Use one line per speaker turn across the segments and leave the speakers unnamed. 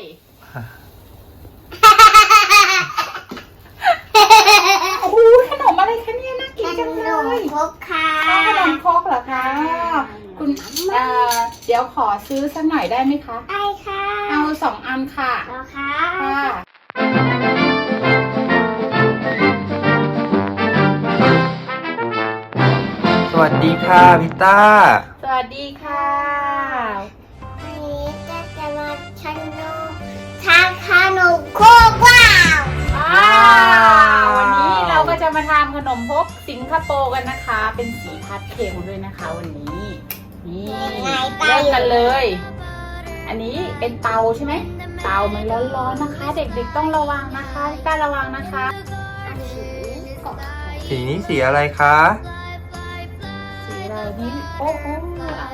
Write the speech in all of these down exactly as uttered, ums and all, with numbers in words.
โอ้ขนมอะไรคะเนี่ยน่ากินจังเลย
ขนมครกค่ะ
ขนมครกเหรอคะคุณเอ่อเดี๋ยวขอซื้อสักหน่อยได้ไหมคะ
ได้ค่ะ
เอาสองอันค่ะ
เอาค่ะ
ค่ะ
สวัสดีค่ะพิต้า
สวัสดีค่ะ
วันนี้จะจะมาชันนูทานขนมโคกว้าว
ว้าววันนี้เราก็จะมาทำขนมพกสิงคโปร์กันนะคะ เป็นสีพาสเทลด้วยนะคะวันนี้นี่เริ่มกันเลย อันนี้เป็นเตาใช่ไหมเตามันร้อนๆนะคะ เด็กๆต้องระวังนะคะกล้าระวังนะคะ
สีนี้สีอะไรคะ
สีอะไรนี่โอ้โหอะไร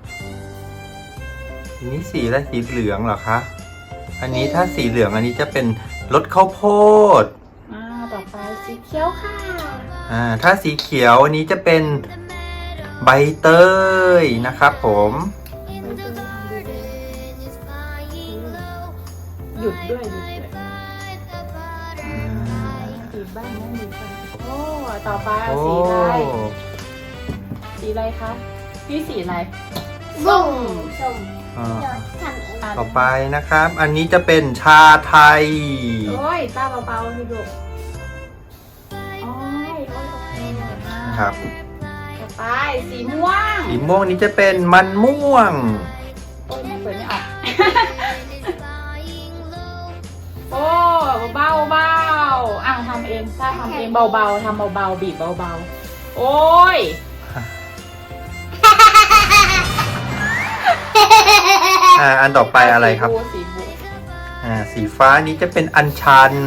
สีนี้สีอะไรสีเหลืองเหรอคะอันนี้ถ้าสีเหลืองอันนี้จะเป็นรสข้าวโพด
อ่าต่อไปสีเขียวค่ะ
อ่าถ้าสีเขียวอันนี้จะเป็นใบเตยนะครับผม
หยุดด้วยหยุดด้วยหยุดบ้างนะหยุดบ้างโอ้ต่อไปเอาสีอะไรสีอะไรคะนี่สีอะไร
ส้มส้ม
ต่อไปนะครับอันนี้จะเป็นชาไทย
โอ้ยตาเบาๆให้ดูโอ้ย
ครับ
ต่อไปสีม่วง
สีม่วงนี้จะเป็นมันม่วง
โอ้ยไม่เปิดไม่ออกโอ้เบาเบาอ่ะทำเองถ้าทำเองเบาๆทำเบาๆบีบเบาๆโอ้ย
อ่าอันต่อไปอะไรครับ
สีบู
อ่าสีฟ้านี้จะเป็นอัญชัน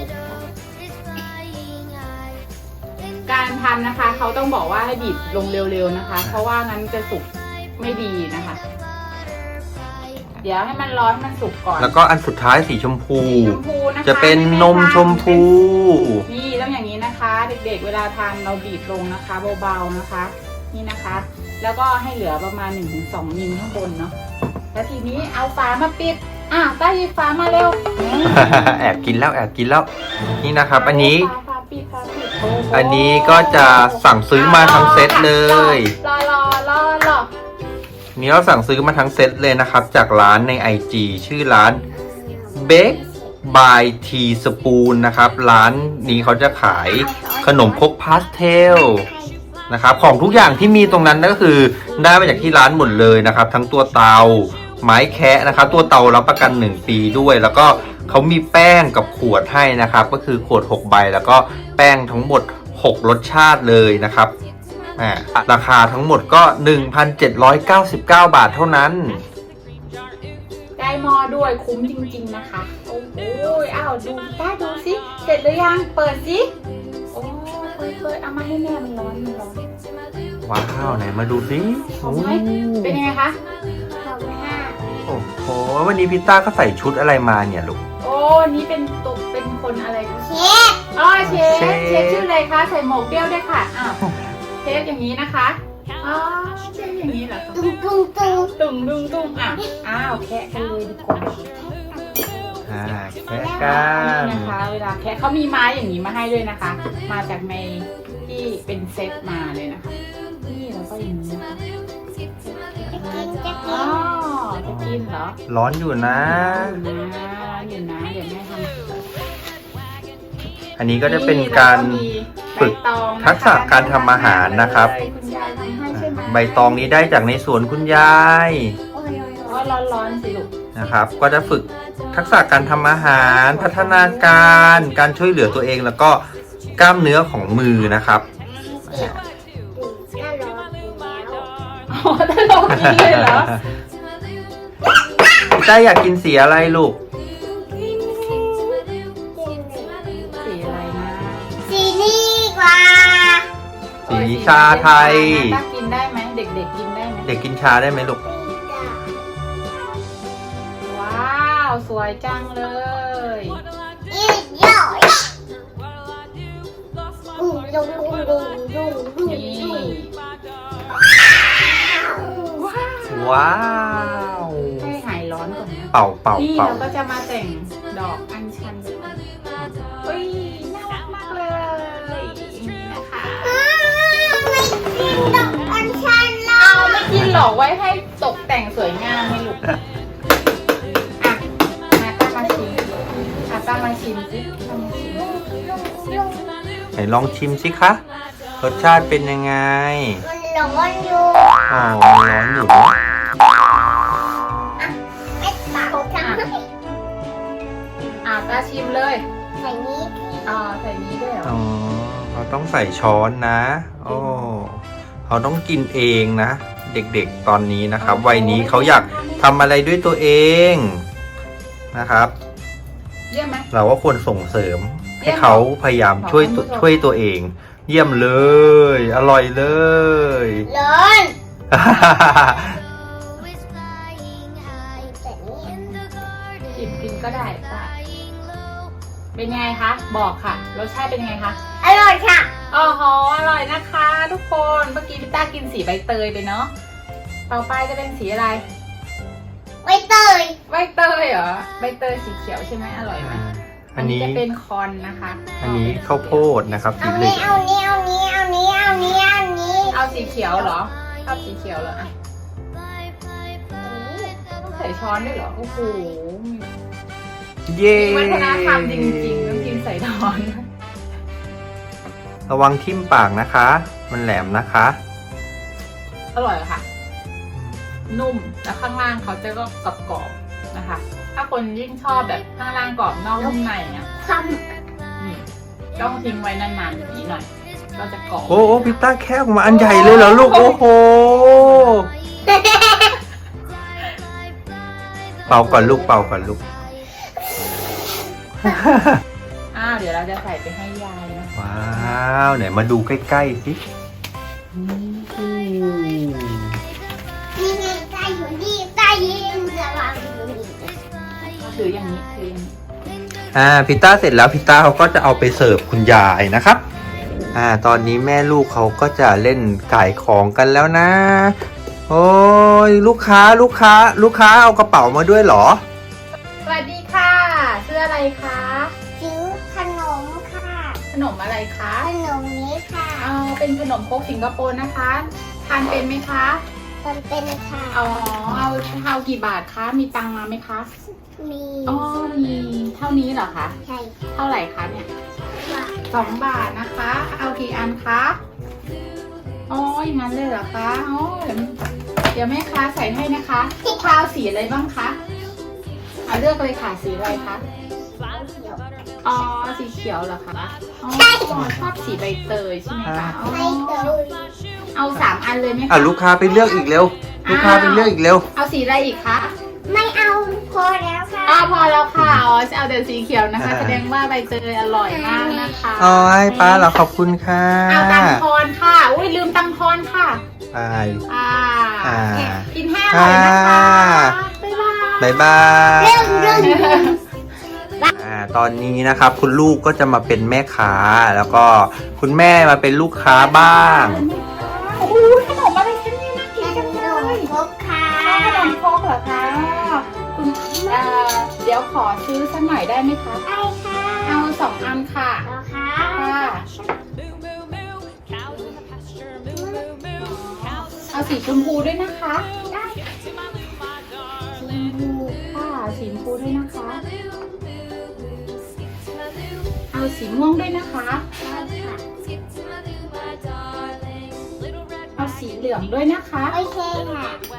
การทำนะคะเขาต้องบอกว่าให้บีบลงเร็วๆนะคะเพราะว่างั้นจะสุกไม่ดีนะคะเดี๋ยวให้มันร้อนมันสุกก่อน
แล้วก็อันสุดท้ายสีชมพู
นะคะ
จะเป็นนมชมพู
นี่ต้องอย่างนี้นะคะเด็กๆเวลาทานเราบีบลงนะคะเบาๆนะคะนี่นะคะแล้วก็ให้เหลือประมาณ หนึ่งถึงสอง มิลข้างบนเนาะแล้วทีนี้เอาฝามาปิดอ่ะต้าหยิบฝามาเร็ว
แอบกินแล้วแอบกินแล้วนี่นะครับอันนี้
ฝาปิดฝาปิด
อันนี้ก็จะสั่งซื้อมาทั้งเซตเลย
รอรอรอรอ
นี่เราสั่งซื้อมาทั้งเซตเลยนะครับจากร้านใน ไอ จี ชื่อร้าน Bake by Tea Spoon นะครับร้านนี้เขาจะขายขนมครกพาสเทลนะครับของทุกอย่างที่มีตรงนั้นก็คือได้มาจากที่ร้านหมดเลยนะครับทั้งตัวเตาไม้แคะนะครับตัวเตารับประกันหนึ่งปีด้วยแล้วก็เขามีแป้งกับขวดให้นะครับก็คือขวดหกใบแล้วก็แป้งทั้งหมดหกรสชาติเลยนะครับราคาทั้งหมดก็ หนึ่งพันเจ็ดร้อยเก้าสิบเก้า บาทเท่านั้น
ได้หม้อด้วยคุ้มจริงๆนะคะโอ้โหอ้าวดูได้ดูสิเสร็จหรือยังเปิดสิโอ้เปิดเปิดเอามาให้แม่มันร้อนมันร้อน
ว้าวไหนมาดูสิ
หอมไหมเป็นยังไงคะ
หอมมาก
โอ้โหวันนี้พิต้าก็ใส่ชุดอะไรมาเนี่ยลูก
โอ้นี่เป็นตุกเป็นคนอะไร
เชฟ
อ๋อเชฟเชฟชื่ออะไรคะใส่หมวกเปรี้ยวด้วยค่ะอ้าวเชฟอย่างนี้นะคะอ๋อเชฟอย่างนี้เหรอ
ตุ้งตุ้งตุ้ง
ตุ้งตุ้งตุ้งอ่ะอ้าวแคะกันเลยดีกว่า
อ่าแคะกัน
นี่นะคะเวลาแคะเขามีไม้อย่างนี้มาให้ด้วยนะคะมาจากในที่เป็นเซตมาเลยนะคะนี่แล้วก็อย่างนี้นะคะอ๋อจะกินเหรอ
ร้อนอยู่นะ
ร้อนอยู่นะเดี๋ยวแม่ทำ
อันนี้ก็จะเป็นการฝึกทักษะการทำอาหารนะครับใบตองนี้ได้จากในสวนคุณยาย
ร้อนๆสิลูก
นะครับก็จะฝึกทักษะการทำอาหารพัฒนาการการช่วยเหลือตัวเองแล้วก็กล้ามเนื้อของมือนะครับ
อ๋อถ้าลงกินเลยเหรอ
พี่ต้าอยากกินสีอะไรลูก
สีอะไรนะ
สีนี้กว่า
สีชาไทย
ต้ากินได้ไหมเด็กๆกินได้ไหม
เด็กกินชาได้ไหมลูก
ว้าวสวยจังเลย
อีกเยอะดุงดุงดุงดุงดุง
ว้าว
ว้าว
ให้หายร้อนก่อนนะ
เป่าเป่า
นี่
เป่า
เราก็จะมาแต่งดอกอัญชันเฮ้ยน่ารักมากเลยนี่นะคะ
ไม่กินดอกอัญชันแล้
เอา
ว
ไม่กินหรอกไว้ให้ตกแต่งสวยงามให้ลูกอ่ะมาตั้งมาชิมอ่ะตั้งมาชิมสิตั้งมาชิม
ไหนลองชิมสิคะ รสชาติเป็นยังไง
มันร้อนอยู่
อ๋อมันร้อนอยู่นะ
ไม่เป่าทำให้
อ่ะตาชิมเลย
ใส่นี้
อ่าใส่นี้ด้วยเหรอ
อ๋อเขาต้องใส่ช้อนนะ โอ้เขาต้องกินเองนะ เด็กๆตอนนี้นะครับ วัยนี้เขาอยากทำอะไรด้วยตัวเองนะครับ
เยี่ยมไหม
เราก็ควรส่งเสริม
เยี่
ให้
ยม
เขาพยายามช่วยตัว
ขอบคุณผู้ชม
ช่วยตัวเอง เยี่ยมเลย อร่อยเลย
ร้อนแต่นี่
กินกินก็ได้ป้าเป็นยังไงคะ บอกค่ะ รสชาติเป็นยังไงคะ
อร่อยค่ะ
อ๋อหออร่อยนะคะ ทุกคน เมื่อกี้พี่ต้ากินสีใบเตยไปเนาะ ต่อไปจะเป็นสีอะไร
ใบเตย
ใบเตยเหรอ ใบเตยสีเขียวใช่ไหมอร่อยไหม
อันนี้
จะเป็นคอนนะคะ
อันนี้ข้าวโพดนะครับสี
เอา
เหลื
นี้
อง
เอานี้เอานี้เอานี้เอานี้เอานี้
เอาสีเขียวเหรอชอบสีเขียวเหรออ่ะต้องใส่ช้อนด้วยเหรอ โอ้โห
เย้
มีวัฒนธรรมจริงๆต้องกินใส่ช้อน
ระวังทิ่มปากนะคะ มันแหลมนะคะ
อร่อยค่ะ นุ่ม แล้วข้างล่างเขาจะก็กรอบๆนะคะ ถ้าคนยิ่งชอบแบบข้างล่างกรอบนอกนุ่มในเนี่ย
ท
นี่ต้องทิ้งไว้นานๆอย่างนี้หน่อย ก็จะกรอบ
โอ้โหพิต้าแค่ออกมาอันใหญ่เลยเหรอลูก โอ้โห
ำ
เป่าก่อนลูกเป่าก่อนลูก
อ้าวเดี๋ยวเราจะใส่ไปให้ยายนะ
ว้าวไหนมาดูใกล้ๆสิ
นี่ไงใต้อยู่นี่ใต้ยินระวังอยู่นี่
ถืออย่างนี้ถืออย่างนี้
อ่าพิต้าเสร็จแล้วพิต้าเขาก็จะเอาไปเสิร์ฟคุณยายนะครับ อ่า ตอนนี้แม่ลูกเขาก็จะเล่นขายของกันแล้วนะ โอ้ยลูกค้าลูกค้า ลูกค้าเอากระเป๋ามาด้วยเหรอ
สวัสดีค่ะชื่ออะไรคะ
ซื้อขนมค่ะ
ขนมอะไรคะ
ขนมนี้ค่ะ
เอาเป็นขนมครกสิงคโปร์นะคะ ทานเป็นไหมคะ
มันเป็นค่ะ
อ๋อเอาเอากี่บาทคะ มีตังค์มาไหมคะ
มี
อ๋อ มีเท่านี้เหรอคะ
ใช่
เท่าไหร่คะเนี่ย
ค่ะ
สองบาทนะคะ เอากี่อันคะอ๋ออย่างนั้นเลยเหรอคะอ๋อเดี๋ยวเดี๋ยวแม่ค้าใส่ให้นะคะลูกค้าเอาสีอะไรบ้างคะเอาเลือกเลยค่ะ สีอะไรคะ อ๋อ สีเขียวเหรอคะ อ๋อชอบสีใบเตยใช่ไหมคะอ๋อ
ไม่เตย
เอาสามอันเลยไหมคะ
อ่ะลูกค้าไปเลือกอีกเร็ว ลูกค้าไปเลือกอีกเร็ว
เอาสีอะไรอีกคะ
ไม่เอาพอแล้วค่ะ
อ๋อพอแล้วค่ะ อ๋อจะเอาแต่สีเขียวนะคะ แสดงว่าใบเตยอร่อยมากนะคะ
อ๋อให้ป้าเราขอบคุณค่ะ
เอาตังทอนค่ะ อุ้ยลืมตังทอนค่ะ
ไป
อ่า
อ่า
กินให้อร่อยนะคะ บ๊ายบาย
บ๊ายบาย
เรื่องเรื่องเรื่อง
อ่า ตอนนี้นะครับ คุณลูกก็จะมาเป็นแม่ค้า แล้วก็คุณแม่มาเป็นลูกค้าบ้าง
โอ้โหขนมอะไรคะเนี่ยน่ากินจัง
ข
เล
นม
ย
ครกค่ะ
ขนมครกเหรอคะคุณเอ่อเดี๋ยวขอซื้อสักหน่อยได้ไหมคะ
ไอ้ค่ะ
เอาสองอันค่ะ
เอาค่ะ
ค่ะ เอาสีชมพูด้วยนะคะ
ได้
สีชมพูค่ะ สีชมพูด้วยนะคะ เอาสีม่วงด้วยนะคะ เอาสีเหลืองด้วยนะคะ
โอเคค่ะ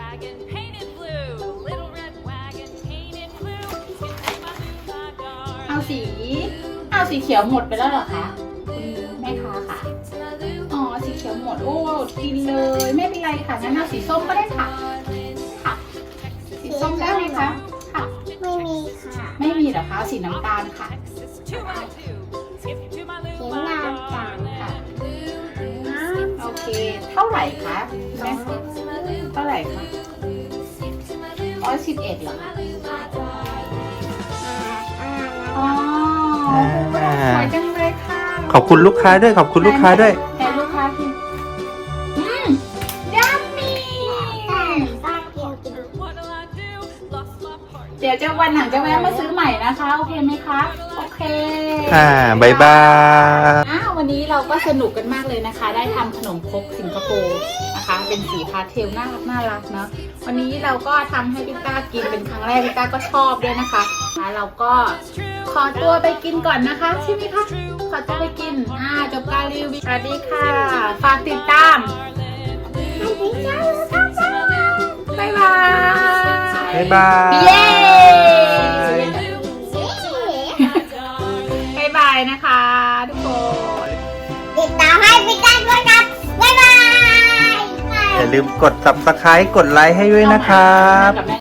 เอาสี เอาสีเขียวหมดไปแล้วเหรอคะคุณแม่ค้าค่ะ อ๋อ สีเขียวหมด โอ้กินเลย ไม่เป็นไรค่ะงั้นเอาสีส้มก็ได้ค่ะ ค่ะ สีส้มได้ไหมคะ ค่ะ
ไม่มีค่ะ
ไม่มีเหรอคะเอาสีน้ำตาลค่ะ
เสียงน้ำตาล
ค่ะ
น้
โอเค เท่าไหร่คะแม่คะเท่าไหร่คะร้อยสิบเอ็ดเหรอคะ
ำ
อ๋อสวยจังเลยค่ะ
ขอบคุณลูกค้าด้วย ขอบคุณลูกค้าด้วย
แต่ลูกค้ากินอืมยัมมี่
ป้าเกี่ยวกิน
เดี๋ยวจะซื้อใหม่นะคะโอเคไหมคะโอเค
อ่าบายบาย
อ้าววันนี้เราก็สนุกกันมากเลยนะคะ ได้ทำขนมครกสิงคโปร์นะคะ เป็นสีพาสเทลน่ารักน่ารักเนาะวันนี้เราก็ทำให้พี่ต้ากินเป็นครั้งแรกพี่ต้าก็ชอบด้วยนะคะแล้วเราก็ขอตัวไปกินก่อนนะคะใช่ไหมคะขอตัวไปกินอ่าจบการรีวิวสวัสดีค่ะฝากติดตามบ๊ายบาย
บ๊ายบาย
เย้บ๊ายบายนะคะทุกคน
ติดตามให้พี่กันด้วยนะบ๊ายบาย
อย่าลืมกด ซับสไครบ์ กดไลค์ให้ด้วยนะครับ